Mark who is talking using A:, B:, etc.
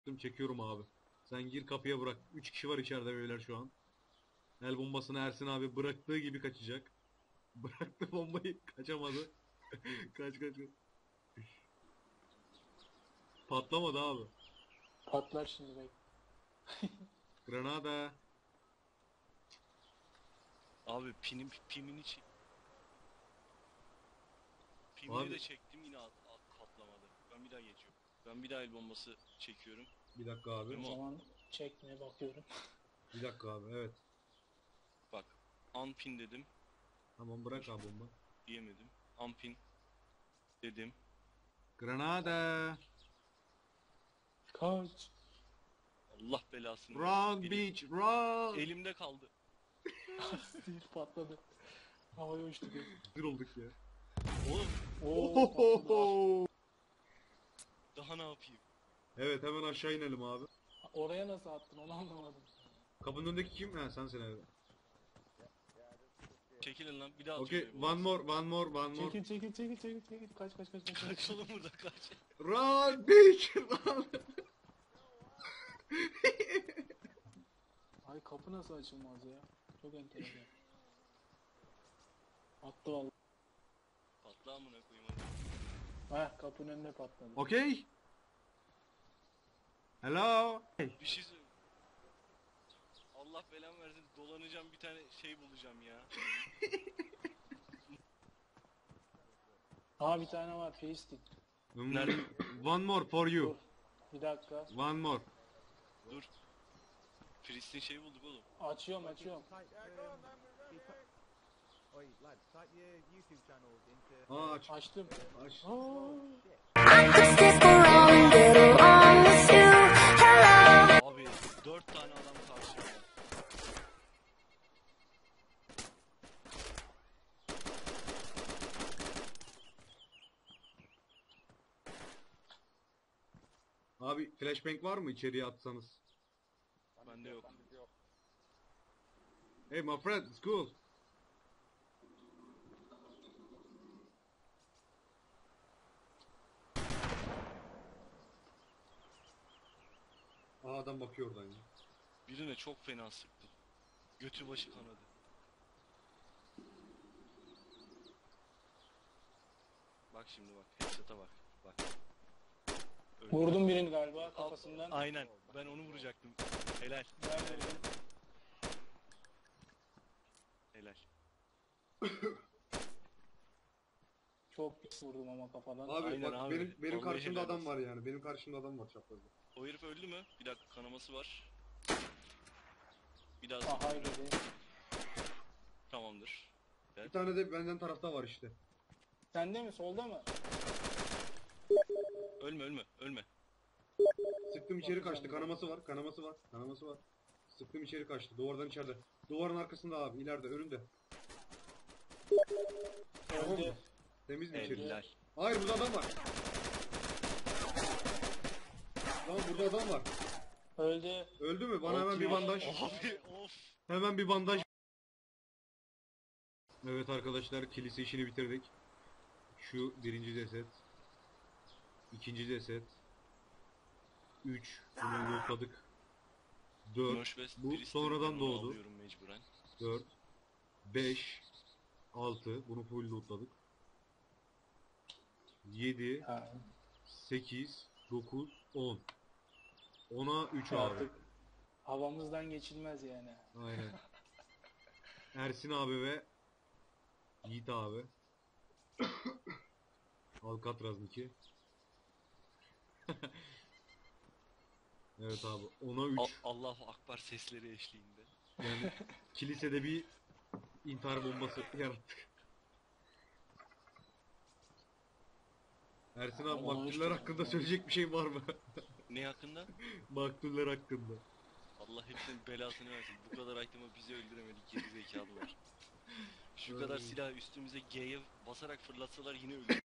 A: Çekiyorum abi. Sen gir kapıya bırak. 3 kişi var içeride beyler şu an. El bombasını Ersin abi bıraktığı gibi kaçacak. Bıraktı bombayı kaçamadı. Kaç kaç kaç. Patlamadı abi.
B: Patlar şimdi bek.
A: Granada.
C: Abi pimini çek. Pimini
A: Abi
C: de çektim yine patlamadı. Ben bir daha geçiyorum. Ben bir daha el bombası çekiyorum.
A: bir dakika abi.
B: O
C: Tamam.
B: zaman çekmeye bakıyorum.
A: Bir dakika abi evet.
C: Bak. Unpin dedim.
A: Tamam bırak abi bomba.
C: Diyemedim. Unpin dedim.
A: Granada.
B: Kaç.
C: Allah belasını
A: Run
C: versin.
A: bitch run.
C: Elimde kaldı.
B: Stil patladı. Havaya uçtu göz.
A: Bir olduk ya.
C: Oğlum
B: Oo patladı.
C: daha ne yapayım?
A: Evet hemen aşağı inelim abi.
B: Oraya nasıl attın onu anlamadım.
A: Kapının önündeki kim? Ha sensin evet.
C: Çekilin lan bir daha
A: Okay,
C: atıyorum.
A: one more.
B: Çekil. Kaç.
C: Kaç oğlum burada kaç.
A: Run bitch run.
B: Ay kapı nasıl açılmaz ya? Çok enteresan. Attı vallahi.
C: Patla amına koyayım hadi.
B: Heh kapının önüne patladı.
A: Okay. Hello.
C: Bir şey söyle. Allah belamı versin dolanacağım bir tane şey bulacağım ya.
B: Aa bir tane var Feistik.
C: Nerede?
A: One more for
B: Dur.
A: you.
B: Bir dakika.
A: One more.
C: Dur. Pristin şeyi bulduk oğlum.
B: Açıyorum.
D: Oi, lads, type your YouTube channels into.
A: Aa aç.
B: Açtım.
A: Aç.
C: Abi 4 tane adam karşımda.
A: Abi flashbang var mı içeriye atsanız?
C: Bende yok.
A: Hey my friend, it's cool. Aa adam bakıyor oradan ya.
C: Birine çok fena sıktım. Götü başı kanadı. Bak şimdi bak. Headshot'a bak. Bak. Öyle.
B: Vurdum birini galiba kafasından.
C: Aynen. Ben onu vuracaktım. Helal. Helal.
B: Çok pis vurdum ama kafadan.
A: Abi
C: Aynen
A: bak
C: abi.
A: benim
C: Vallahi
A: karşımda
C: helal
A: adam
C: olsun.
A: var yani. Benim karşımda adam var çaprazda.
C: O herif öldü mü? Bir dakika kanaması var. Bir daha
B: Aha öyle değil.
C: tamamdır.
A: Bir tane de benden tarafta var işte.
B: Sende mi solda mı?
C: Ölme.
A: Sıktım içeri kaçtı. Kanaması var. Sıktım içeri kaçtı. Duvardan içeride. Duvarın arkasında abi. İleride önünde. Tamam mı?
B: Öldü.
A: Temiz mi içeri?
C: Helal.
A: Hayır burada adam var. Tamam burada adam var.
B: Öldü.
A: Öldü mü? Bana hemen bir bandaj.
C: Abi of.
A: Hemen bir bandaj. Evet arkadaşlar kilise işini bitirdik. Şu birinci ceset. İkinci ceset. 3. Bunu lootladık. 4.
C: Northwest
A: Bu
C: Priest'in
A: sonradan
C: yanına
A: doğdu.
C: alıyorum mecburen.
A: 4. 5. 6. Bunu full lootladık. 7.
B: Ha,
A: 8. 9. 10. 10'a 3 abi.
B: artık havamızdan geçilmez yani.
A: Aynen. Ersin abi ve Yiğit abi. Alcatraz'ınki. Evet abi 10'a 3.
C: Allahu Akbar sesleri eşliğinde.
A: Yani kilisede bir intihar bombası yarattık. Ersin abi
B: Ama
A: maktuller
B: işte
A: hakkında
B: yani.
A: söyleyecek bir şey var mı?
C: Ne hakkında?
A: Maktuller hakkında.
C: Allah hepsinin belasını versin. Bu kadar item'ı bizi öldüremedik geri zekalılar. Şu kadar silah üstümüze G'ye basarak fırlatsalar yine öldürür.